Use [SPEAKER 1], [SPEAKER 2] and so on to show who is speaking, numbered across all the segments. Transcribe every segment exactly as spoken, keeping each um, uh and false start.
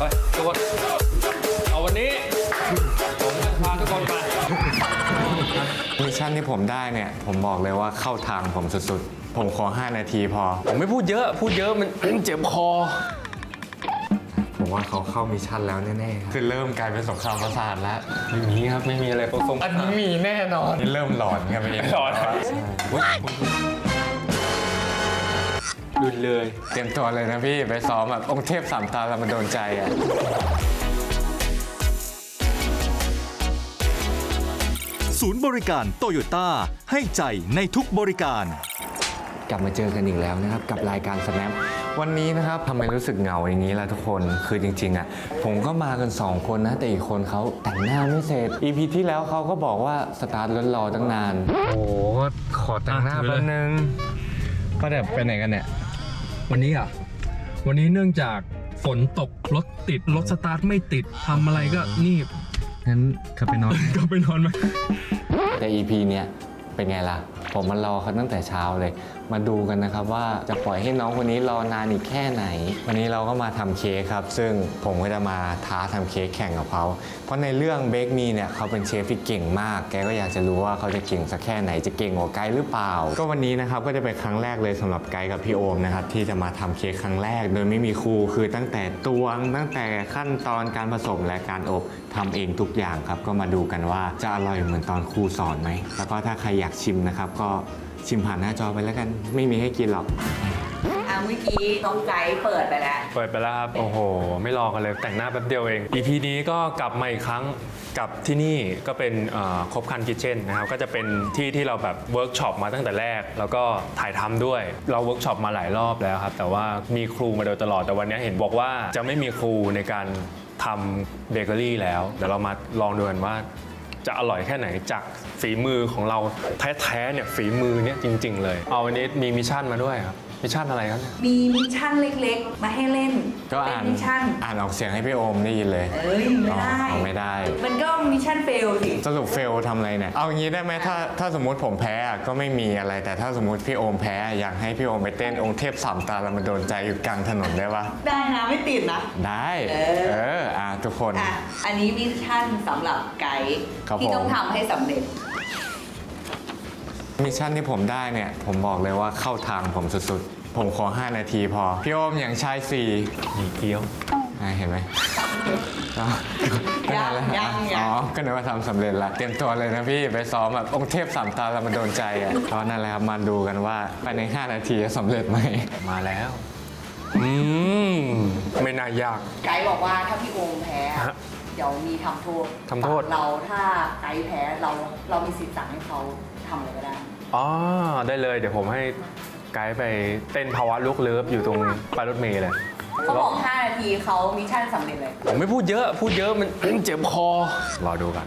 [SPEAKER 1] ไปทุกคนเอาวันนี้ผมจะพาทุกคนไป
[SPEAKER 2] มิชชั่นที่ผมได้เนี่ยผมบอกเลยว่าเข้าทางผมสุดๆผมขอห้านาทีพอ
[SPEAKER 1] ผมไม่พูดเยอะพูดเยอะมันเจ็บคอ
[SPEAKER 2] ผมว่าเขาเข้ามิชชั่นแล้วแน่ๆคือเริ่มกลายเป็นสงครามประสาทแล้ว
[SPEAKER 1] ไม่มีครับไม่มีอะไรผสม
[SPEAKER 2] อันนี้มีแน่นอนนี่เริ่มหลอนกันไปเอง
[SPEAKER 1] หลอนดุนเลย
[SPEAKER 2] เตรียมตัวเลยนะพี่ไปซ้อมแบบองค์เทพสามตาเรามาโดนใจอ่ะ
[SPEAKER 3] ศูนย์บริการโตโยต้าให้ใจในทุกบริการ
[SPEAKER 2] กลับมาเจอกันอีกแล้วนะครับกับรายการ Snap วันนี้นะครับทำไมรู้สึกเหงาอย่างนี้ล่ะทุกคนคือจริงๆอ่ะผมก็มากันสองคนนะแต่อีกคนเขาแต่งหน้าไม่เสร็จ อี พี ที่แล้วเขาก็บอกว่าสตาร์ทรถรอตั้งนานโอ้ขอแต่งหน้าแป๊บนึงก็แบบไปไหนกันเนี่ย
[SPEAKER 1] วันนี้อ่ะวันนี้เนื่องจากฝนตกรถติดรถสตาร์ทไม่ติดทำอะไรก็นี่
[SPEAKER 2] งั้นขับไปนอน
[SPEAKER 1] ก็ไปนอนไหม
[SPEAKER 2] แต่ อี พี เนี้ยเป็นไงล่ะผมมารอเขาตั้งแต่เช้าเลยมาดูกันนะครับว่าจะปล่อยให้น้องคนนี้รอนานอีกแค่ไหนวันนี้เราก็มาทำเค้กครับซึ่งผมก็จะมาท้าทำเค้กแข่งกับเขาเพราะในเรื่องเบคมีเนี่ยเขาเป็นเชฟที่เก่งมากแกก็อยากจะรู้ว่าเขาจะเก่งสักแค่ไหนจะเก่งกว่าไกด์หรือเปล่าก็วันนี้นะครับก็จะเป็นครั้งแรกเลยสำหรับไกด์กับพี่โอมนะครับที่จะมาทำเค้กครั้งแรกโดยไม่มีครูคือตั้งแต่ตวงตั้งแต่ขั้นตอนการผสมและการอบทำเองทุกอย่างครับก็มาดูกันว่าจะอร่อยเหมือนตอนครูสอนไหมแล้วก็ถ้าใครอยากชิมนะครับก็ชิมผ่านหน้าจอไปแล้วกันไม่มีให้กินหรอก
[SPEAKER 4] อ่ะเมื่อกี้น้องไกด์เปิดไปแล้ว
[SPEAKER 1] เปิดไปแล้วครับโอ้โหไม่รอกันเลยแต่งหน้าแป๊บเดียวเอง อี พี นี้ก็กลับมาอีกครั้งกับที่นี่ก็เป็นครบคันคิทเช่นนะครับก็จะเป็นที่ที่เราแบบเวิร์กช็อปมาตั้งแต่แรกแล้วก็ถ่ายทำด้วยเราเวิร์กช็อปมาหลายรอบแล้วครับแต่ว่ามีครูมาโดยตลอดแต่วันนี้เห็นบอกว่าจะไม่มีครูในการทำเบเกอรี่แล้วเดี๋ยวเรามาลองดูกันว่าจะอร่อยแค่ไหนจากฝีมือของเราแท้ๆเนี่ยฝีมือเนี่ยจริงๆเลยเอาวันนี้มีมิชชั่นมาด้วยครับมิชชั่นอะไรครับ
[SPEAKER 4] มีมิชชั่นเล็กๆมาให้เล่น
[SPEAKER 2] ก็อ่าน
[SPEAKER 4] มิชชั่น
[SPEAKER 2] อ่านออกเสียงให้พี่โอมได้ยินเลย
[SPEAKER 4] เอ้ยไม่ได้
[SPEAKER 2] ไม่ได้
[SPEAKER 4] มันก็มิชชั่นเฟลสิ
[SPEAKER 2] สรุปเฟลทำอะไรเนี่ยเอางี้ได้ไหมถ้าถ้าสมมติผมแพ้ก็ไม่มีอะไรแต่ถ้าสมมติพี่โอมแพ้อยากให้พี่โอมไปเต้นองค์เทพสามตาเรามาโดนใจอยู่กลางถนนได้ปะ
[SPEAKER 4] ได้นะไม่ติดนะ
[SPEAKER 2] ได้เออเอออ่ะทุกคน
[SPEAKER 4] อ่ะอันนี้มิชชั่นสำหรับไกด์ที่ต้องทำให้สำเร็จ
[SPEAKER 2] มิชชั่นที่ผมได้เนี่ยผมบอกเลยว่าเข้าทางผมสุดๆผมขอห้านาทีพอพี่โอมอย่างชายสี่
[SPEAKER 1] มีเกี้ยว
[SPEAKER 2] เห็นไหม
[SPEAKER 4] ยังยัง
[SPEAKER 2] อ๋อก็นึกว่าทำสำเร็จละเตรียมตัวเลยนะพี่ไปซ้อมแบบองค์เทพสามตาเรามาโดนใจอ่ะตอนนั้นแหละครับมาดูกันว่าภายในห้านาทีจะสำเร็จไหม
[SPEAKER 1] มาแล้วอืมไม่น่ายาก
[SPEAKER 4] ไกด์บอกว่าถ้าพี่โอมแพ้เดี๋ยวมีทำโทษ
[SPEAKER 1] ทำโทษ
[SPEAKER 4] เราถ้าไกด์แพ้เราเรามีสิทธิ์สั่งให้เขาทำอะไรก็ได้
[SPEAKER 1] อ๋อได้เลยเดี๋ยวผมให้ไกด์ไปเต้นภาวะลุกเลิฟอยู่ตรงป้ายรถเมล์เลย
[SPEAKER 4] เขาบอกห้านาทีเขามิชชั่นสำเร็จเลย
[SPEAKER 1] ผมไม่พูดเยอะพูดเยอะมันเจ็บคอรอดูกัน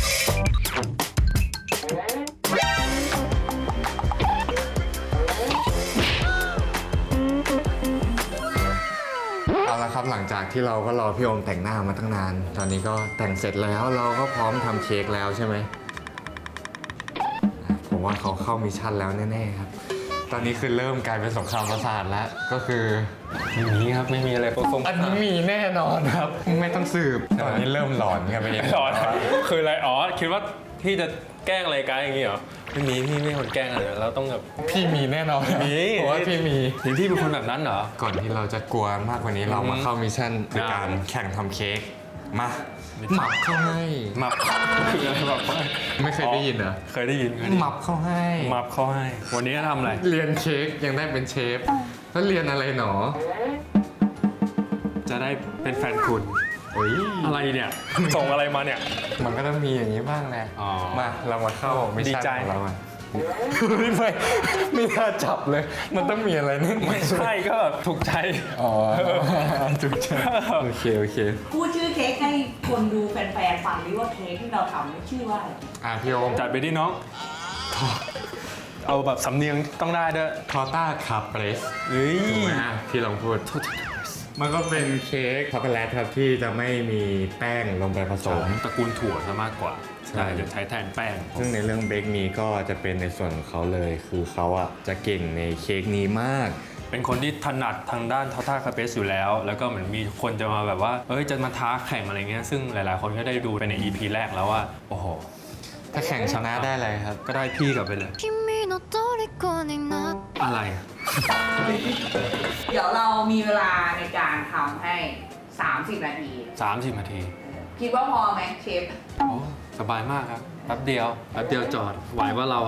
[SPEAKER 2] เอาละครับหลังจากที่เราก็รอพี่โอมแต่งหน้ามาตั้งนานตอนนี้ก็แต่งเสร็จแล้วเราก็พร้อมทำเค้กแล้วใช่ไหมผมว่าเขาเข้ามิชชั่นแล้วแน่ๆครับตอนนี้คือเริ่มกลายเป็นสงครามประสาทแล้วก็คือ
[SPEAKER 1] ไม่มีครับไม่มีอะไรผสม
[SPEAKER 2] อันนี้มีแน่นอนครับไม่ต้องสืบตอนนี้เริ่มหลอนกันไปเอง
[SPEAKER 1] หลอนคืออะไรอ๋อคิดว่าพี่จะแกล้งอะไรกันอย่างงี้เหรอไม่มีพี่ไม่คนแกล้งอะไรเราต้องแบบ
[SPEAKER 2] พี่มีแน่นอน
[SPEAKER 1] มี
[SPEAKER 2] เพราะว่าพี่มี
[SPEAKER 1] ถึงพี่เป็นคนแบบนั้นเหรอ
[SPEAKER 2] ก่อนที่เราจะกลัวมากกว่านี้เรามาเข้ามิชชั่นในการแข่งทำเค้กมาหมับเข้าให้
[SPEAKER 1] หมับคืออะไรหมับเข้าให้
[SPEAKER 2] ไม่เคยได้ยินเหรอ
[SPEAKER 1] เคยได้ยิน
[SPEAKER 2] หมับเข้าให้
[SPEAKER 1] หมับเข้าให้วันนี้ทำอะไร
[SPEAKER 2] เรียนเค้กยังได้เป็นเชฟแล้วเรียนอะไรหนอ
[SPEAKER 1] จะได้เป็นแฟนคุณเฮ้ยอะไรเนี่ยส่งอะไรมาเนี่ย
[SPEAKER 2] มันก็ต้องมีอย่างนี้บ้างแหละมาเรามาเข้ามิชชั่นของเราไม่ไม่ไม่น่าจับเลยมันต้องมีอะไรนึง
[SPEAKER 1] ไม่ใช่ก็แบบถูกใจ
[SPEAKER 2] อ๋อถูกใจโอเคโอเค
[SPEAKER 4] พูดชื่อเค้กให้คนดูแฟนๆฟังดิว่าเค้กที่เราทำชื่อว่าอะไร
[SPEAKER 2] อ่ะพี่โอม
[SPEAKER 1] จัดไปดิน้องเอาแบบสำเนียงต้องได้ด้วย
[SPEAKER 2] ทอต้าคาเปรส
[SPEAKER 1] เฮ้ย
[SPEAKER 2] พี่ลองพูดมันก็เป็นเค้กช็อกโกแลตครับที่จะไม่มีแป้งลงไปผสม
[SPEAKER 1] ตระกูลถั่วซะมากกว่าใช่จะใช้แทนแป้ง
[SPEAKER 2] ซึ่งในเรื่องเบคมีก็จะเป็นในส่วนของเขาเลยคือเขาอ่ะจะเก่งในเค้กนี้มาก
[SPEAKER 1] เป็นคนที่ถนัดทางด้านทอท่าคาเปสอยู่แล้ว แล้วก็เหมือนมีคนจะมาแบบว่าเอ้ยจะมาท้าแข่งอะไรเงี้ยซึ่งหลายๆคนก็ได้ดูไปใน อี พี แรกแล้วว่าโอ้โห
[SPEAKER 2] ถ้าแข่งชนะได้อะไรครับ
[SPEAKER 1] ก็ได้พี่กลับไปเลย
[SPEAKER 5] 君の虜になって
[SPEAKER 1] อะไรอะ
[SPEAKER 4] เดี๋ยวเรามีเวลาในการทำให้ สามสิบ นาที
[SPEAKER 1] สามสิบนาที
[SPEAKER 4] คิดว่าพอไหมเชฟ
[SPEAKER 1] โอ้สบายมากครับแป๊บเดียวแป๊บเดียวจอดไหวว่าเราอะ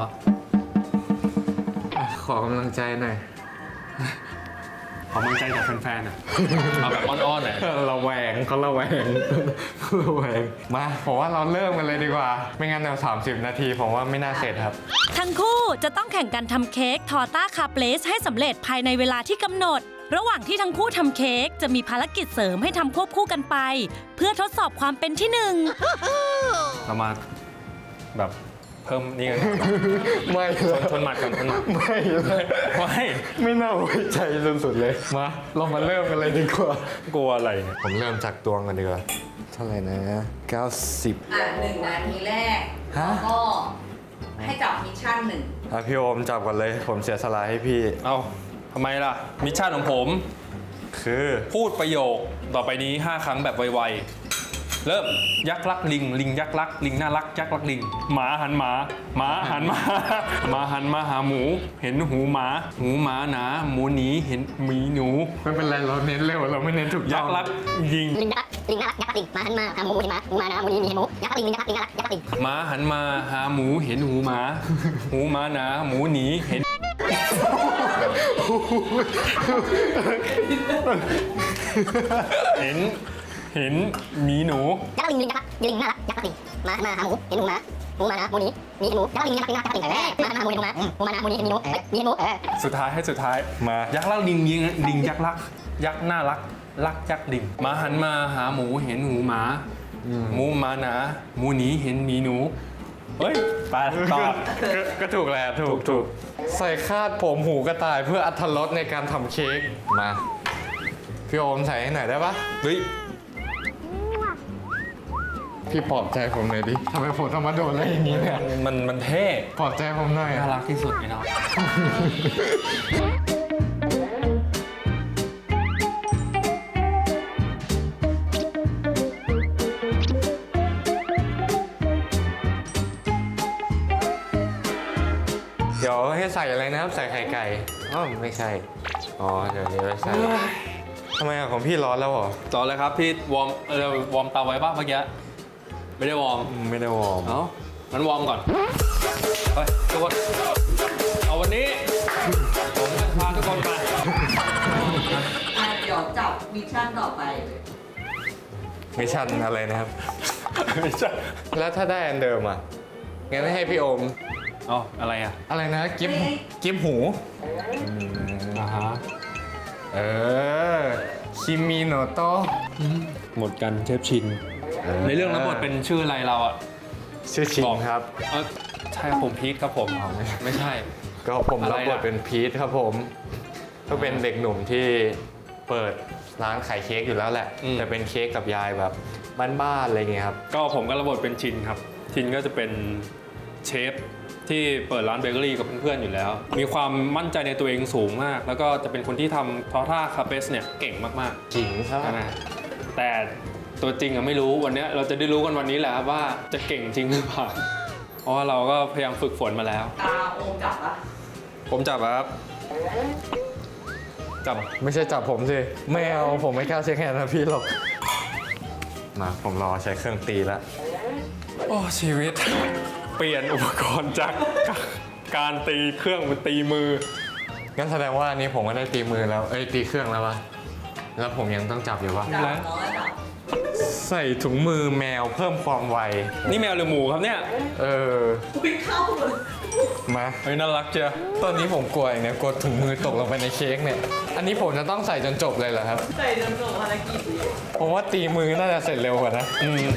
[SPEAKER 2] ขอกำลังใจหน่อย
[SPEAKER 1] ขอกำลังใจจากแฟนๆอะเอาแบบอ้อนๆหน่อย
[SPEAKER 2] ระแวงเขาระแวงระแวงมาผมว่าเราเริ่มกันเลยดีกว่า ไม่งั้นเดี๋ยวสามสิบนาทีผมว่าไม่น่าเสร็จครับ
[SPEAKER 6] ทั้งคู่จะต้องแข่งกันทำเค้กทอร์ต้าคาเปลสให้สำเร็จภายในเวลาที่กำหนด ระหว่างที่ทั้งคู่ทำเค้กจะมีภารกิจเสริมให้ทำควบคู่กันไป เพื่อทดสอบความเป็นที่หนึ่ง
[SPEAKER 1] เรามาแบบเพิ่มนี่กัน
[SPEAKER 2] ไม่
[SPEAKER 1] ชนชนหมัดกันชนหมัด
[SPEAKER 2] ไม่เลย
[SPEAKER 1] ไม่
[SPEAKER 2] ไม่น่าไว้ใจสุดๆเลยมาเรามาเริ่มกันเลยดีกว่า
[SPEAKER 1] กลัวอะไรเนี่ย
[SPEAKER 2] ผมเริ่มจากตวงกันดีกว่าเท่าไหร่นะเก้าสิบ
[SPEAKER 4] อ่ะหนึ่งนาทีแรก
[SPEAKER 2] ฮะ
[SPEAKER 4] แล้วก็ให้จับมิชชั่นหนึ่ง
[SPEAKER 2] อ่ะพี่โอมจับก่อนเลยผมเสียสละให้พี่
[SPEAKER 1] เอ้าทำไมล่ะ มิชชั่นของผม
[SPEAKER 2] คือ
[SPEAKER 1] พูดประโยคต่อไปนี้ ห้า ครั้งแบบไวๆเริ่มยักษ์รักลิง ลิงยักษ์รักลิงน่ารักยักษ์รักลิง หมาหันหมาหมาหันมาหมาหันมาหาหมู เห็นหูหมาหูหมาหนาหมูหนีเห็นหมีหนู
[SPEAKER 2] ไม่เป็นไรเราเน้นเร็วเราไม่เน้นถูกต้
[SPEAKER 1] ยั
[SPEAKER 2] อก ง
[SPEAKER 1] ษ์รักยิง
[SPEAKER 7] ลิงยักษ์ลิงน่ารักยักษ์ลิงหมาหันมาหาหมูเห็นหมาหมูมานะหมูนี่มีเห็นหมูยักษ์ลิงลิงยักษ์ลิงน่ารักยักษ์ลิง
[SPEAKER 1] หมาหันมาหาหมูเห็นหูหมา หูหมาหนาหมูหนีเห็น เห็นเห็นหมีหนู
[SPEAKER 7] ยักษ์ลิงลิงยักษ์ลิงน่ารักยักษ์ลิงหมาหันมาหาหมูเห็นหมูหมาหมูมานะหมูนี่มีเห็นหมูยักษ์ลิงยักษ์ลิงน่ารักยักษ์ลิงเออหมาหันมาหาหมูเห็นหมูหมาหมูมานะหมูนี่เห็นหมูเอ้ยมีเห็นหมูเออ
[SPEAKER 1] สุดท้ายให้สุดท้าย
[SPEAKER 2] มา
[SPEAKER 1] ยักษ์รักลิงยิงลิงยักษ์รัก ยักษ์น่ารักรักยักษ์ลิงหมาหันมาหาหมูเห็นหูหมาหมูหมาหนาหมูหนีเห็นหมีหนูเฮ้ยไปตอบ
[SPEAKER 2] ก็ก็ถูกแล้วถูกถูกใส่คาดผมหูกระต่ายเพื่ออรรถรสในการทำเค้กมาพี่โอมใส่ให้หน่อยได้ปะ
[SPEAKER 1] เฮ้ย
[SPEAKER 2] พี่ปลอบใจผมหน่อยดิทำไมผมต้องมาโดนอะไรอย่างนี้เนี่ย
[SPEAKER 1] มันมันเท่
[SPEAKER 2] ปลอบใจผมหน่อย
[SPEAKER 1] น่ารักที่สุดไอ้น้อง
[SPEAKER 2] เดี๋ยวให้ใส่อะไรนะครับ ใส่ไข่ไก่อ๋อไม่ใช่อ๋อเดี๋ยวนี้ไม่ใส่ทำไมอะของพี่ร้อนแล้วเหรอ
[SPEAKER 1] ต่อเลยครับพี่วอร์มเออวอร์มเตาไว้ป่ะเมื่อกี้ไม่ได้วอร์ม
[SPEAKER 2] ไม่ได้วอร์ม
[SPEAKER 1] เอ้างั้นวอร์มก่อนไปทุกคนเอาวันนี้ผมจะพาทุกคนไป
[SPEAKER 4] อ่ะเดี๋ยวจับมิชชั่นต่อไปเลย
[SPEAKER 2] มิชชั่นอะไรนะครับ
[SPEAKER 1] ไม่ใช่
[SPEAKER 2] แล้วถ้าได้อันเดิมอ่ะงั้นให้พี่โอม
[SPEAKER 1] เอ๋ออะไรอ่ะ
[SPEAKER 2] อะไรนะกิฟกิฟหู
[SPEAKER 1] อ่าฮะ
[SPEAKER 2] เออคิมิโนโตะ
[SPEAKER 1] หมดกันเชฟชิน ในเรื่องรับบทเป็นชื่ออะไรเราอ่ะ
[SPEAKER 2] ชื่อชิงครับ
[SPEAKER 1] เออใช่ผมพีทครับผม
[SPEAKER 2] อ๋อไม่
[SPEAKER 1] ไม่ใช่
[SPEAKER 2] ก็ผม
[SPEAKER 1] อะไร
[SPEAKER 2] รับบท
[SPEAKER 1] ล่ะ
[SPEAKER 2] เป็นพีทครับผม ก็เป็นเด็กหนุ่มที่เปิดร้านขายเค้กอยู่แล้วแหละ แต่เป็นเค้กกับยายแบบบ้านๆอะไรเงี้ยครับ
[SPEAKER 1] ก็ผมก็รับบทเป็นชินครับ ชินก็จะเป็นเชฟที่เปิดร้านเบเกอรี่กับเพื่อนๆอยู่แล้ว มีความมั่นใจในตัวเองสูงมาก แล้วก็จะเป็นคนที่ทำทอท่าคาเปสเนี่ยเก่งมาก
[SPEAKER 2] จริงครับ
[SPEAKER 1] ๆนะแต่ตัวจริงอะไม่รู้วันเนี้ยเราจะได้รู้กันวันนี้แหละครับว่าจะเก่งจริงหรือเปล่าเพราะว่าเราก็พยายามฝึกฝนมาแล้ว
[SPEAKER 4] ตาโอมจับปะ
[SPEAKER 1] ผมจับอะครับจับ
[SPEAKER 2] ไม่ใช่จับผมสิ ไม่เอาผมไม่กล้าเช็คแฮนด์นะพี่หรอก มาผมรอใช้เครื่องตีแล้ว
[SPEAKER 1] โอ้ชีวิต เปลี่ยนอุปกรณ์จากการตีเครื่องเป็นตีมือ
[SPEAKER 2] งั้นแสดงว่าอันนี้ผมก็ได้ตีมือแล้ว เอ้ยตีเครื่องแล้ววะ แล้วผมยังต้องจับอยู่วะ
[SPEAKER 4] จับ
[SPEAKER 1] แล้ว
[SPEAKER 4] น้อยจับ
[SPEAKER 2] ใส่ถุงมือแมวเพิ่มความไว
[SPEAKER 1] นี่แมวหรือหมูครับเนี่ย
[SPEAKER 2] เออ
[SPEAKER 4] วิ่งเข้าเลย
[SPEAKER 2] มา
[SPEAKER 1] เฮ้ยน่ารักเชียว
[SPEAKER 2] ตอนนี้ผมกลัวอย่างเนี้ยกลัวถุงมือตกลงไปในเค้กเนี่ย อันนี้ผมจะต้องใส่จนจบเลยเหรอครับ
[SPEAKER 4] ใส่จนจบภารกิจนี้
[SPEAKER 2] ผมว่าตีมือน่าจะเสร็จเร็วกว่านะ
[SPEAKER 1] อืม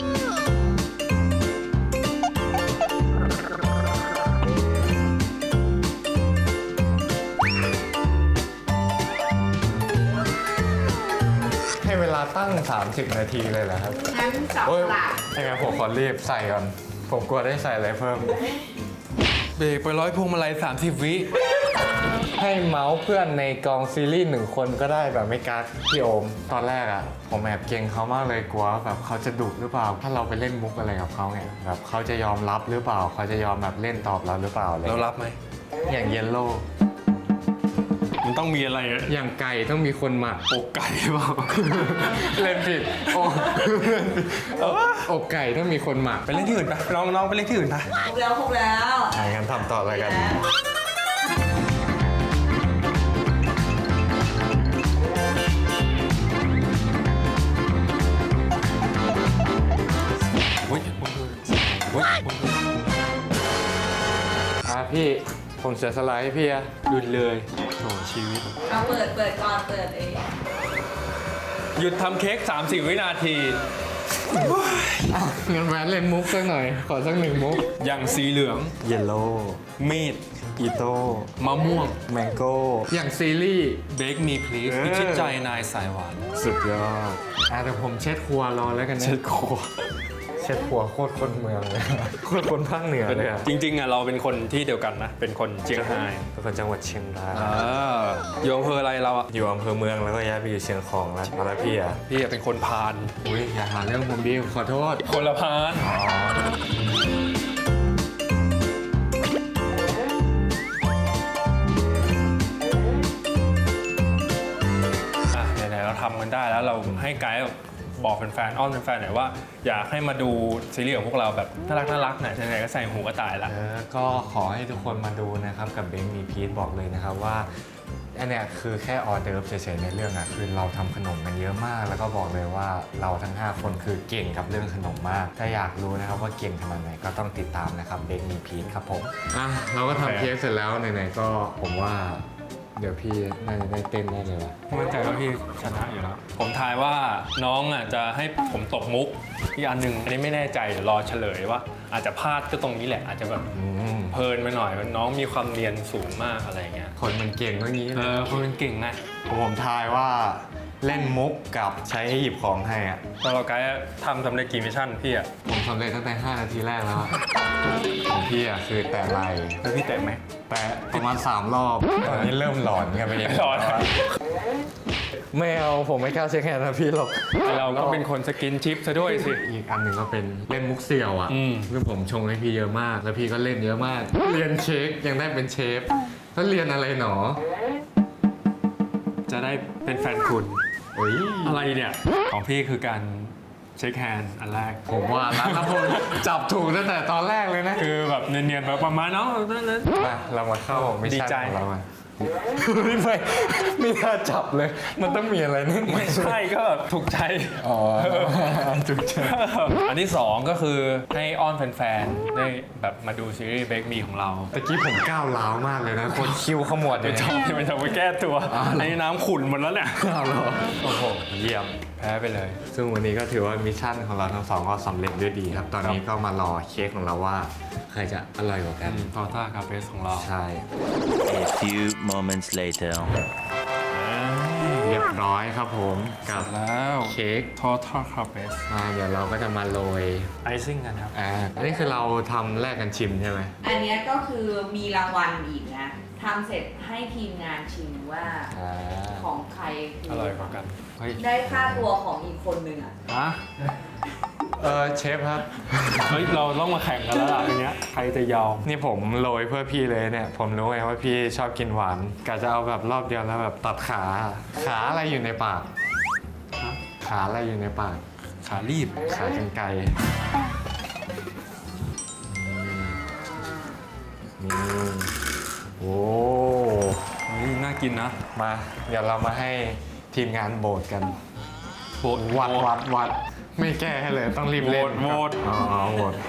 [SPEAKER 2] ให้เวลาตั้ง สามสิบ นาทีเลยเหรอครับ
[SPEAKER 4] งั้นจับ
[SPEAKER 2] โอ้ย
[SPEAKER 4] หลัก
[SPEAKER 2] ยังไงผมขอรีบใส่ก่อน ผมกลัวได้ใส่อะไรเพิ่ม
[SPEAKER 1] เบรกไปร้อยพวงมาลัยสามสิบวิ
[SPEAKER 2] ให้เมาส์เพื่อนในกองซีรีส์หนึ่งคนก็ได้แบบไม่กักพี่โอม ตอนแรกอะผมแอบเกรงเขามากเลยกลัวแบบเขาจะดุหรือเปล่า ถ้าเราไปเล่นมุกอะไรกับเขาไงแบบเขาจะยอมรับหรือเปล่า เขาจะยอมแบบเล่นตอบเราหรือเปล่าอะไร
[SPEAKER 1] เรารับไหม
[SPEAKER 2] อย่างเยลโล่
[SPEAKER 1] มันต้องมีอะไรอะ
[SPEAKER 2] อย่างไก่ต้องมีคนหมัก
[SPEAKER 1] อกไก่เปล่า
[SPEAKER 2] เล่นผิดโอ้อกไก่ต้องมีคนหมัก
[SPEAKER 1] ไปเล่นที่อื่นปะน้องน้องไปเล่นที่อื่นปะ
[SPEAKER 4] ครบแล้วครบแล้ว
[SPEAKER 2] ใช่กันทำต่อเลยกัน
[SPEAKER 1] อุ้ยอุ้ย
[SPEAKER 2] อ่ะพี่ผมเสียสละให้พี่อะ
[SPEAKER 1] หยุดเลยโอ้ชีวิต
[SPEAKER 4] เอาเปิดเปิดก่อนเปิดเอง
[SPEAKER 1] หยุดทำเค้กสามสิบวินาที
[SPEAKER 2] อ่ะงั้นแหวนเล่นมุกสักหน่อย ขอสักหนึ่งมุก
[SPEAKER 1] อย่างสีเหลือง
[SPEAKER 2] เยลโล่
[SPEAKER 1] มีด
[SPEAKER 2] อีโต้
[SPEAKER 1] มะม่วง
[SPEAKER 2] แมงโก้อย่างซีรีส์
[SPEAKER 1] Bake Me Please
[SPEAKER 2] เออ
[SPEAKER 1] พิชิตใจนายสายหวาน
[SPEAKER 2] สุดยอดอ่ะแต่ผมเช็ดครัวรอแล้วกันนะ
[SPEAKER 1] เช็ดครัว
[SPEAKER 2] เช็ดครัวโคตรคนเมืองเลย โคตรคนภาคเหนือเลยอะ
[SPEAKER 1] จริงๆอ่ะเราเป็นคนที่เดียวกันนะ เป็นคนเชียงราย
[SPEAKER 2] เป็นคนจังหวัดเชียงราย
[SPEAKER 1] อ่าอยู่อำเภออะไรเราอ่ะ
[SPEAKER 2] อยู่อำเภอเมืองแล้วก็ย้ายไปอยู่เชียงของแล้วมาแล้วพี่อะ
[SPEAKER 1] พี่อะเป็นคนพาน
[SPEAKER 2] อุ้ยอย่าหาเรื่องผมดิขอโทษ
[SPEAKER 1] คนละพาน
[SPEAKER 2] อ๋อ
[SPEAKER 1] อ่ะไหนๆเราทำกันได้แล้วเราให้ไกด์บอกแฟนๆอ้อนแฟนๆหน่อยว่าอยากให้มาดูซีรีส์ของพวกเราแบบน่ารักน่ารักๆหน่อยไหนๆก็ใส่หูกระต่ายละ
[SPEAKER 2] เออก็ขอให้ทุกคนมาดูนะครับกับเบงมีพีทบอกเลยนะครับว่าอันเนี้ยคือแค่ออเดิร์ฟเฉยๆในเรื่องอะคือเราทำขนมกันเยอะมาก แล้วก็บอกเลยว่าเราทั้งห้าคนคือเก่งกับเรื่องขนมมาก ถ้าอยากรู้นะครับว่าเก่งขนาดไหนก็ต้องติดตามนะครับเบงมีพีทครับผมอ่ะเราก็ทำเค้กเสร็จแล้วไหนๆก็ผมว่าเดี๋ยวพี่น่าจะได้เต้นได้เลยว่ะ
[SPEAKER 1] มั่นใจว่าพี่ชนะอยู่แล้ว ผมทายว่าน้องอ่ะจะให้ผมตกมุกอีกอันหนึ่งอันนี้ไม่แน่ใจเดี๋ยวรอเฉลยว่า อาจจะพลาดก็ตรงนี้แหละ อาจจะแบบ
[SPEAKER 2] อืม
[SPEAKER 1] เพลินไปหน่อยน้องมีความเรียนสูงมากอะไรเงี้ย
[SPEAKER 2] คนมันเก่งก็งี้
[SPEAKER 1] เอ
[SPEAKER 2] เลย
[SPEAKER 1] อคนเป็นเก่งไง
[SPEAKER 2] ผมทายว่าเล่นมุกกับใช้ให้หยิบของให้อะ
[SPEAKER 1] ตอนเราไกด์ทำสำเร็จกี่มิชชั่นพี่อ่ะ
[SPEAKER 2] ผมสำเร็จตั้งแต่ห้านาทีแรกแล้วอะของพี่อะคือแตะไหล
[SPEAKER 1] แล้วพี่แตะไหม
[SPEAKER 2] แตะประมาณสามรอบ ตอนนี้เริ่มหลอนกันไปเอง
[SPEAKER 1] หลอน
[SPEAKER 2] ไม่เอาผมไม่กล้าเช็คแฮนด์นะพี่หรอก
[SPEAKER 1] เราก็เป็นคนสกินชิปซะด้วยสิ
[SPEAKER 2] อีกอันหนึ่งก็เป็นเล่นมุกเสี่ยวอ่ะ
[SPEAKER 1] อืม
[SPEAKER 2] คือผมชงให้พี่เยอะมาก แล้วพี่ก็เล่นเยอะมาก เรียนเค้กยังได้เป็นเชฟแล้วเรียนอะไรหนอ
[SPEAKER 1] จะได้เป็นแฟนคุณ
[SPEAKER 2] เฮ้ย
[SPEAKER 1] อะไรเนี่ยของพี่คือการเช็คแฮนด์อันแรก
[SPEAKER 2] ผมว่าร้านละพลจับถูกตั้งแต่ตอนแรกเลยนะ
[SPEAKER 1] คือแบบเนียนๆแบบประมาณเนาะนั่นนั่น
[SPEAKER 2] มาเรามาเข้ามิช
[SPEAKER 1] ดี
[SPEAKER 2] ชั่น
[SPEAKER 1] ใจ
[SPEAKER 2] ของเรามาไม่ไม่น่าจับเลย มันต้องมีอะไรนิด
[SPEAKER 1] ไม่ใช่ก็แบบถูกใจ
[SPEAKER 2] อ๋อถูกใจ
[SPEAKER 1] อันที่สองก็คือให้อ้อนแฟนๆ ได้แบบมาดูซีรีส์ Bake Me ของเรา
[SPEAKER 2] ตะกี้ผมก้าวร้าวมากเลยนะ คนคิวขมวดเล
[SPEAKER 1] ไม่
[SPEAKER 2] ย
[SPEAKER 1] ชอบไม่ชอบไปแก้ตัว
[SPEAKER 2] อ้าวเหรอ
[SPEAKER 1] ไอ้น้ำขุ่นหมดแล้วเนี่ย
[SPEAKER 2] ก้าวเหรอโอ้โหเยี่ยม
[SPEAKER 1] แพ้ไปเลย
[SPEAKER 2] ซึ่งวันนี้ก็ถือว่ามิชชั่นของเราทั้งสองก็สำเร็จด้วยดีครับ ตอนนี้ก็มารอเค้กของเราว่าใครจะอร่อยกว่ากัน
[SPEAKER 1] ทอต้าคาเฟสของเรา
[SPEAKER 2] ใช่
[SPEAKER 8] A few moments later.
[SPEAKER 2] เรียบร้อยครับผมกับ
[SPEAKER 1] แล้ว
[SPEAKER 2] เค้ก
[SPEAKER 1] ทอต้าคาเฟส
[SPEAKER 2] อ่าเดี๋ยวเราก็จะมาโรย
[SPEAKER 1] ไอซิ่งกันครับ
[SPEAKER 2] อ่าอันนี้คือเราทำแลกกันชิมใช่ไหม
[SPEAKER 4] อันเนี้ยก็คือมีรางวัลอีกนะทำเสร็จให้ทีมงานชิมว่า
[SPEAKER 2] อ่า
[SPEAKER 4] ของใครคื
[SPEAKER 1] อร่อยกว่ากัน เฮ้ย
[SPEAKER 4] ได้ค่าตัวของอีกคนนึงอ่ะ
[SPEAKER 1] ฮะ
[SPEAKER 2] เออเชฟครับ
[SPEAKER 1] เฮ้ย เราต้องมาแข่งกันแล้วล่ะทีเนี้ยใครจะยอม
[SPEAKER 2] นี่ผมโรยเพื่อพี่เลยเนี่ย ผมรู้ไงว่าพี่ชอบกินหวานกะจะเอาแบบรอบเดียวแล้วแบบตัดขา ขาอะไรอยู่ในปาก
[SPEAKER 1] ฮะ
[SPEAKER 2] ขาอะไรอยู่ในปาก
[SPEAKER 1] ขารีบ
[SPEAKER 2] ขากรรไกรนี่โอ้
[SPEAKER 1] เฮ้ยน่ากินนะ
[SPEAKER 2] มา เดี๋ยวเรามาให้ทีมงานโบสกัน
[SPEAKER 1] โบด
[SPEAKER 2] วัดวัดวัดไม่แก้ให้เลยต้องรีบเล่น
[SPEAKER 1] โหวต
[SPEAKER 2] อ๋อโหวต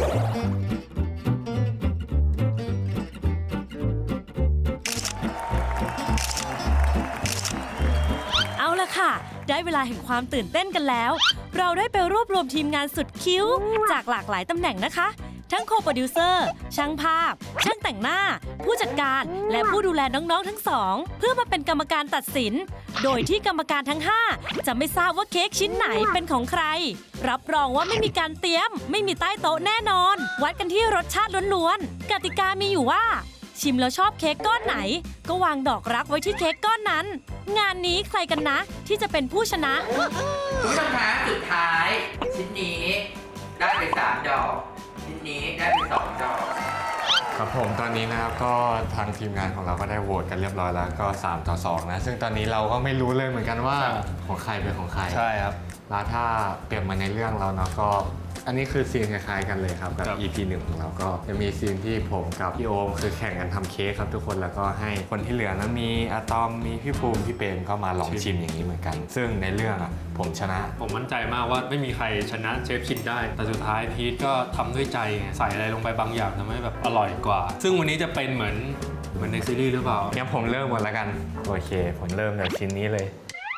[SPEAKER 6] เอาละค่ะ ได้เวลาแห่งความตื่นเต้นกันแล้ว เราได้ไปรวบรวมทีมงานสุดคิ้ว จากหลากหลายตำแหน่งนะคะ ทั้งโคโปรดิวเซอร์ ช่างภาพ ช่างแต่งหน้า ผู้จัดการ และผู้ดูแลน้องๆทั้งสอง เพื่อมาเป็นกรรมการตัดสิน โดยที่กรรมการทั้ง ห้า จะไม่ทราบว่าเค้กชิ้นไหนเป็นของใคร รับรองว่าไม่มีการเตรียม ไม่มีใต้โต๊ะแน่นอน วัดกันที่รสชาติล้วนๆ กติกามีอยู่ว่าชิมแล้วชอบเค้กก้อนไหน ก็วางดอกรักไว้ที่เค้กก้อนนั้น งานนี้ใครกันนะที่จะเป็นผู้ชนะ
[SPEAKER 4] คุณผู้ชมคะสุดท้าย ชิ้นนี้ได้ไปสามดอก ชิ้นนี้ได้ไปสองดอก
[SPEAKER 2] ครับผมตอนนี้นะครับก็ทางทีมงานของเราก็ได้โหวตกันเรียบร้อยแล้วก็สามต่อสองนะซึ่งตอนนี้เราก็ไม่รู้เลยเหมือนกันว่าของใครเป็นของใคร
[SPEAKER 1] ใช่ครับ
[SPEAKER 2] แล้วถ้าเปรียบมาในเรื่องเราเนาะก็อันนี้คือซีนคล้ายๆกันเลยครับกับ
[SPEAKER 1] ครับ
[SPEAKER 2] อี พี หนึ่งของเราก็จะมีซีนที่ผมกับพี่โอมคือแข่งกันทำเค้กครับทุกคนแล้วก็ให้คนที่เหลือนั้นมีอะตอมมีพี่ภูมิพี่เปรมก็มาลองชิมอย่างนี้เหมือนกัน ซึ่งในเรื่องอ่ะผมชนะ
[SPEAKER 1] ผมมั่นใจมากว่าไม่มีใครชนะเชฟชินได้ แต่สุดท้ายพีทก็ทำด้วยใจไงใส่อะไรลงไปบางอย่างทำให้แบบอร่อยกว่า ซึ่งวันนี้จะเป็นเหมือนเหมือนในซีรีส์หรือเปล่า
[SPEAKER 2] งั้นผมเริ่มก่อนแล้วกันโอเคผมเริ่มจากชิ้นนี้เลย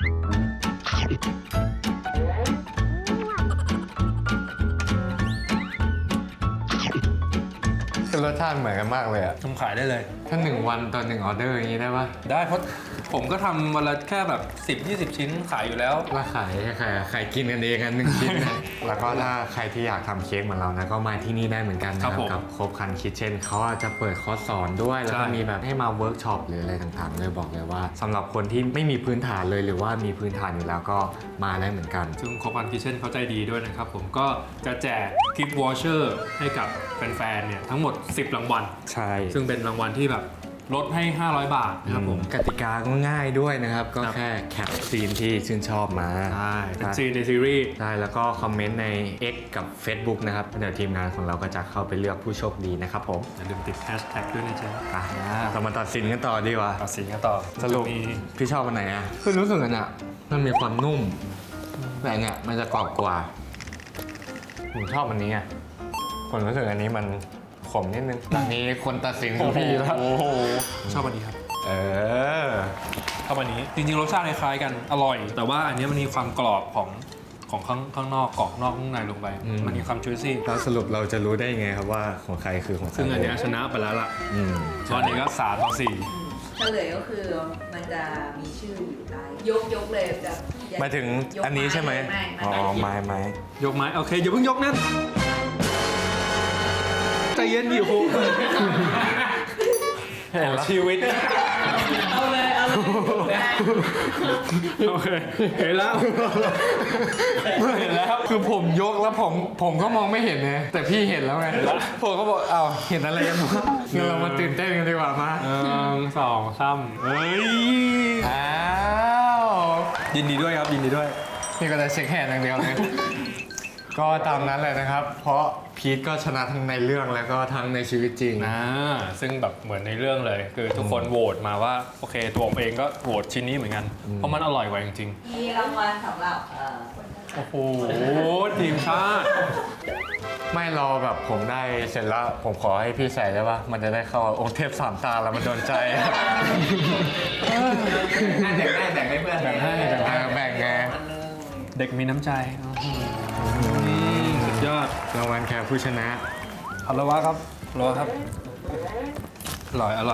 [SPEAKER 2] คือรสชาติเหมือนกันมากเลยอะ
[SPEAKER 1] ทำขายได้เลย
[SPEAKER 2] ถ้าหนึ่งวันต่อหนึ่งออเดอร์อย่างนี้ได้ปะ
[SPEAKER 1] ได้เพราะผมก็ทำวันละแค่แบบ สิบยี่สิบ ชิ้นขายอยู่แล้ว
[SPEAKER 2] แล้วขายให้ใครอะใครกินกันเองกันหนึ่งชิ้นนะ แล้วก็ถ้าใครที่อยากทำเค้กเหมือนเรานะก็มาที่นี่ได้เหมือนกันนะค
[SPEAKER 1] ครั
[SPEAKER 2] รับบ
[SPEAKER 1] ผม
[SPEAKER 2] กับครบคันคิทเช่นเขาอาจจะเปิดคอร์สสอนด้วยแล้วก็
[SPEAKER 1] ใช่
[SPEAKER 2] มีแบบให้มาเวิร์กช็อปหรืออะไรต่างๆเลยบอกเลยว่าสำหรับคนที่ไม่มีพื้นฐานเลยหรือว่ามีพื้นฐานอยู่แล้วก็มาได้เหมือนกัน
[SPEAKER 1] ซึ่งครบอันคิเช่นเขาใจดีด้วยนะครับผมก็จะแจกกิฟต์วอเชอร์ให้กับแฟนๆเนี่ยทั้งหมด สิบ รางวัล
[SPEAKER 2] ใช่
[SPEAKER 1] ซึ่งเป็นรางวัลที่แบบลดให้ ห้าร้อย บาทนะครับผม
[SPEAKER 2] กติกาก็ง่ายด้วยนะครับ ก็
[SPEAKER 1] ครับ
[SPEAKER 2] แค่แคปซีนที่ชื่นชอบมา
[SPEAKER 1] ใช่เป็นซีนในซีรีส์
[SPEAKER 2] ใช่แล้วก็คอมเมนต์ใน X กับ Facebook นะครับเดี๋ยวทีมงานของเราก็จะเข้าไปเลือกผู้โชคดีนะครับผม
[SPEAKER 1] อย่าลืมติดแฮชแท็กด้วยนะจ๊ะ
[SPEAKER 2] อ่ะเรามาตัดสินกันต่อดีกว่า
[SPEAKER 1] ตัดสินกันต่อ
[SPEAKER 2] สรุป
[SPEAKER 1] มี
[SPEAKER 2] พี่ชอบอันไหนอ่ะคือรู้สึกอันอ่ะมันมีความนุ่มแต่อันเนี่ยมันจะกรอบกว่าผมชอบอันนี้อ่ะผมรู้สึกอันนี้มันขมนิดนึงตอนนี้คนตัดสินคือพี่แล้ว
[SPEAKER 1] โอ้โหชอบอันนี้ครับ
[SPEAKER 2] เออ
[SPEAKER 1] ชอบอันนี้จริงๆรสชาติคล้ายๆกันอร่อย แต่ว่าอันนี้มันมีความกรอบของของข้างข้างนอกกรอบนอกข้างในลงไป
[SPEAKER 2] อืม
[SPEAKER 1] มันมีความจุยซี่
[SPEAKER 2] แล้วสรุปเราจะรู้ได้ไงครับว่าของใครคือของใคร
[SPEAKER 1] ซึ่งอันเนี้ยชนะไปแล้วล่ะ
[SPEAKER 2] อืม
[SPEAKER 1] ตอนนี้ก็สามต่อสี่
[SPEAKER 4] เฉลยก็คือมันจะมีชื่ออยู่ใต้ยกยกเลยจะ
[SPEAKER 2] หมายถึงอันนี้ใช่ไหม
[SPEAKER 4] ไม่
[SPEAKER 2] อ๋อไม้ไม้
[SPEAKER 1] ยกไม้โอเคอย่าเพิ่งยกนั่นใจเย็นดิโหชีวิต
[SPEAKER 4] เอาเลยเอาเลย
[SPEAKER 1] โอเคเห็นแล้วเห็นแล้ว
[SPEAKER 2] คือผมยกแล้วผมผมก็มองไม่เห็นไงแต่พี่เห็นแล้วไงผมก็บอกอ้าวเห็นอะไรกันวะงั้นเรามาตื่นเต้นกันดีกว่ามา
[SPEAKER 1] หนึ่งสองสามเฮ้ย
[SPEAKER 2] อ้าว
[SPEAKER 1] ยินดีด้วยครับยินดีด้วย
[SPEAKER 2] นี่ก็จะเช็คแฮนด์อย่างเดียวเลย ก็ตามนั้นเลยนะครับ เพราะพีทก็ชนะทั้งในเรื่องแล้วก็ทั้งในชีวิตจริง
[SPEAKER 1] นะซึ่งแบบเหมือนในเรื่องเลย คือทุกคนโหวตมาว่าโอเคตัวผมเองก็โหวตชิ้นนี้เหมือนกัน เพราะมันอร่อยกว่าจริง
[SPEAKER 4] มีรางวัลสำหรับเอ่อ
[SPEAKER 1] ๆ โอ้โหทีมชาติ
[SPEAKER 2] ไม่รอแบบผมได้เสร็จแล้วผมขอให้พี่ใส่ได้ปะมันจะได้เข้าองค์เทพสามตาแล้วมันโดนใจ
[SPEAKER 4] แบ่งให้แบ่งให้เพื่อน
[SPEAKER 1] แบ่งให้แบ่งให้
[SPEAKER 2] แบ่งไง
[SPEAKER 1] เด็กมีน้ำใจโอ้โหสุดยอด
[SPEAKER 2] รางวัลแค่ผู้ชนะ
[SPEAKER 1] ฮัลโหลวะครับฮัลโหลครับ อร่อยอร่อย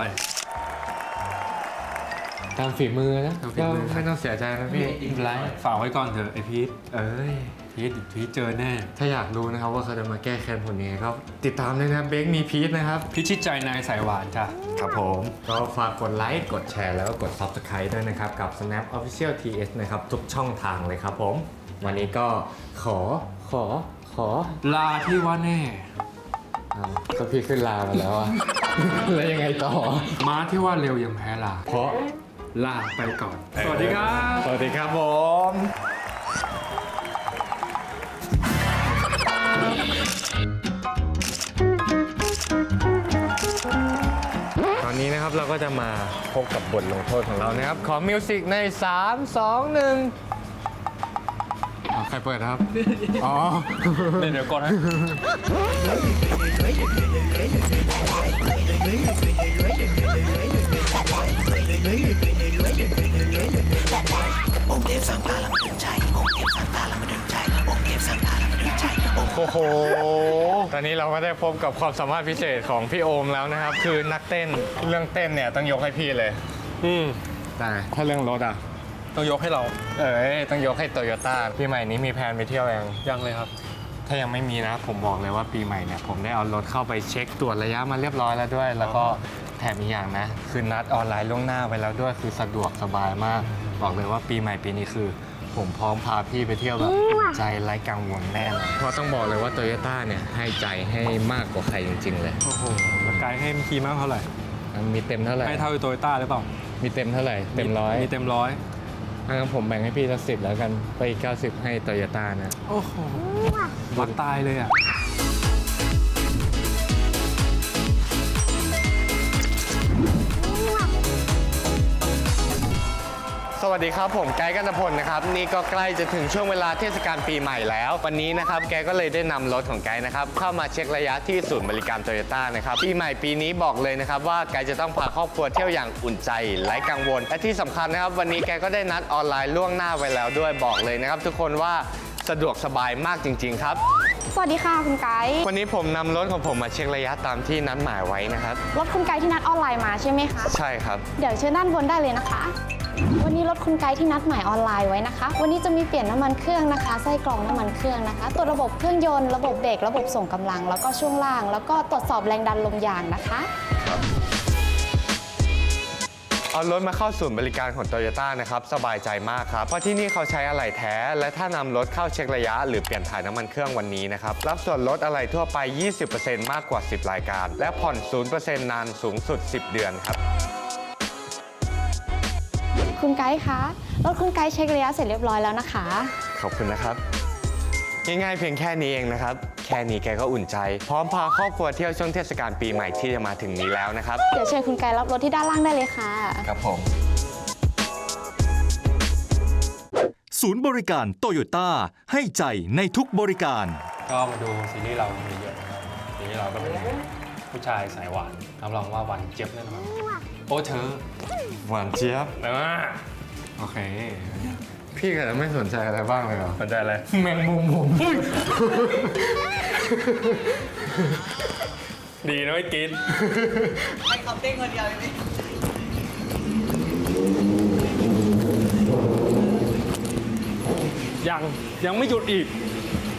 [SPEAKER 2] ตามฝีมือนะ
[SPEAKER 1] ตามฝี
[SPEAKER 2] ก็
[SPEAKER 1] มือ
[SPEAKER 2] ไม่ต้องเสียใจนะพี่
[SPEAKER 1] ไรฝากไว้ก่อนเถอะไอพีท
[SPEAKER 2] เอ้ย
[SPEAKER 1] พีทพีทเจอแน่
[SPEAKER 2] ถ้าอยากรู้นะครับว่าเขาจะมาแก้แค้นผลยังไงก็ติดตามเลยนะเบคมีพีทนะครับ
[SPEAKER 1] พิชิตใจนายสายหวานจ้ะ
[SPEAKER 2] ครับผม ก็ฝากกดไลค์ กดแชร์ แล้วก็กด Subscribe ด้วยนะครับ กับ Snap Official ที เอส นะครับ ทุกช่องทางเลยครับผม วันนี้ก็ขอ ขอ ขอ
[SPEAKER 1] ลาที่ว่าแน่
[SPEAKER 2] อ้าวก็พี่ขึ้นลามาแล้วอะ แล้วยังไงต่อ
[SPEAKER 1] ม้าที่ว่าเร็วยังแพ้ลา
[SPEAKER 2] เพราะ
[SPEAKER 1] ลาไปก่อน สวัสดีครับ
[SPEAKER 2] สวัสดีครับผม ตอนนี้นะครับเราก็จะมาพบกับบทลงโทษของเรานะครับ ขอมิวสิกใน สาม สอง หนึ่งอ่ะใครเปิดครับ อ๋อ
[SPEAKER 1] เดี๋ยวเดี๋ยวก่อนนะ
[SPEAKER 2] โอ้โห ตอนนี้เราก็ได้พบกับความสามารถพิเศษของพี่โอมแล้วนะครับ คือนักเต้น เรื่องเต้นเนี่ยต้องยกให้พี่เลย
[SPEAKER 1] อืม
[SPEAKER 2] แต่ถ้าเรื่องรถอ่ะ
[SPEAKER 1] ต้องยกให้เรา
[SPEAKER 2] เอ้ยต้องยกให้โตโยต้าปีใหม่นี้มีแผนไปเที่ยวยัง
[SPEAKER 1] ยังเลยครับ
[SPEAKER 2] ถ้ายังไม่มีนะ ผมบอกเลยว่าปีใหม่เนี่ยผมได้เอารถเข้าไปเช็คตรวจระยะมาเรียบร้อยแล้วด้วย แล้วก็แถมอีกอย่างนะ คือนัดออนไลน์ล่วงหน้าไว้แล้วด้วยคือสะดวกสบายมาก บอกเลยว่าปีใหม่ปีนี้คือ ผมพร้อมพาพี่ไปเที่ยวแบบใจไร้กังวลแน่นอนเพราะต้องบอกเลยว่าโตโยต้าเนี่ยให้ใจให้มากกว่าใครจริงๆเลย
[SPEAKER 1] โอ้โหแล้วไกด์ให้เมื่อกี้มากเท่าไหร่
[SPEAKER 2] มีเต็มเท่าไหร่
[SPEAKER 1] ให้เท่าโตโยต้าหรือเปล่า
[SPEAKER 2] มีเต็มเท่าไหร่เต็มร้อย
[SPEAKER 1] มีเต็มร้อย
[SPEAKER 2] งั้นผมแบ่งให้พี่สักสิบแล้วกันไปอีกเก้าสิบให้โตโยต้านะ
[SPEAKER 1] โอ้โหวัดตายเลยอ่ะ
[SPEAKER 2] สวัสดีครับผมไกด์กันตพลนะครับนี่ก็ใกล้จะถึงช่วงเวลาเทศกาลปีใหม่แล้ว วันนี้นะครับแกก็เลยได้นำรถของไกด์นะครับเข้ามาเช็คระยะที่ศูนย์บริการโตโยต้านะครับปีใหม่ปีนี้บอกเลยนะครับว่าไกด์จะต้องพาครอบครัวเที่ยวอย่างอุ่นใจไร้กังวลและที่สำคัญนะครับวันนี้แกก็ได้นัดออนไลน์ล่วงหน้าไว้แล้วด้วยบอกเลยนะครับทุกคนว่าสะดวกสบายมากจริงๆครับ
[SPEAKER 9] สวัสดีค่ะคุณไกด์
[SPEAKER 2] วันนี้ผมนำรถของผมมาเช็คระยะตามที่นัดหมายไว้นะครับ
[SPEAKER 9] รถคุณไกด์ที่นัดออนไลน์มาใช่ไหมคะ
[SPEAKER 2] ใช่ครับ
[SPEAKER 9] เดี๋ยวเชิญด้านบนได้เลยนะคะ วันนี้รถคุณไกด์ที่นัดหมายออนไลน์ไว้นะคะ วันนี้จะมีเปลี่ยนน้ำมันเครื่องนะคะไส้กรองน้ำมันเครื่องนะคะตรวจระบบเครื่องยนต์ระบบเบรกระบบส่งกำลัง แล้วก็ช่วงล่าง แล้วก็ตรวจสอบแรงดันลมยางนะคะ
[SPEAKER 2] เอารถมาเข้าศูนย์บริการของโตโยต้านะครับสบายใจมากครับเพราะที่นี่เขาใช้อะไหล่แท้ และถ้านำรถเข้าเช็คระยะ หรือเปลี่ยนถ่ายน้ำมันเครื่องวันนี้นะครับรับส่วนลดอะไหล่ทั่วไป ยี่สิบเปอร์เซ็นต์ มากกว่า สิบ รายการ และผ่อน ศูนย์เปอร์เซ็นต์ นานสูงสุด สิบ เดือนครับ
[SPEAKER 9] คุณไกด์คะ รถคุณไกด์เช็คระยะเสร็จเรียบร้อยแล้วนะคะ
[SPEAKER 2] ขอบคุณนะครับง่ายๆเพียงแค่นี้เองนะครับแค่นี้แกก็อุ่นใจ พร้อมพาครอบครัวเที่ยวช่วงเทศกาลปีใหม่ที่จะมาถึงนี้แล้วนะครับ
[SPEAKER 9] เดี๋ยวเชิญคุณไกด์รับรถที่ด้านล่างได้เลยค่ะ
[SPEAKER 2] ครับผม
[SPEAKER 3] ศูนย์บริการโตโยต้าให้ใจในทุกบริการ
[SPEAKER 1] ก็มาดูซีรีส์เรามีเยอะนะครับซีรีส์เราก็เป็นผู้ชายสายหวานรับรองว่าหวานเจี๊ยบแน่นอนโอ้เธอ
[SPEAKER 2] หวานเจี๊ยบ
[SPEAKER 1] อ่าโอเค
[SPEAKER 2] พี่ก็ไม่สนใจอะไรบ้างเลยเหรอ
[SPEAKER 1] สนใจอะไร
[SPEAKER 2] แมงมุมผม
[SPEAKER 1] ดีนะไม่กิน
[SPEAKER 10] ให้เขาเต้นคนเดียวเลย
[SPEAKER 1] ยังยังไม่หยุดอีก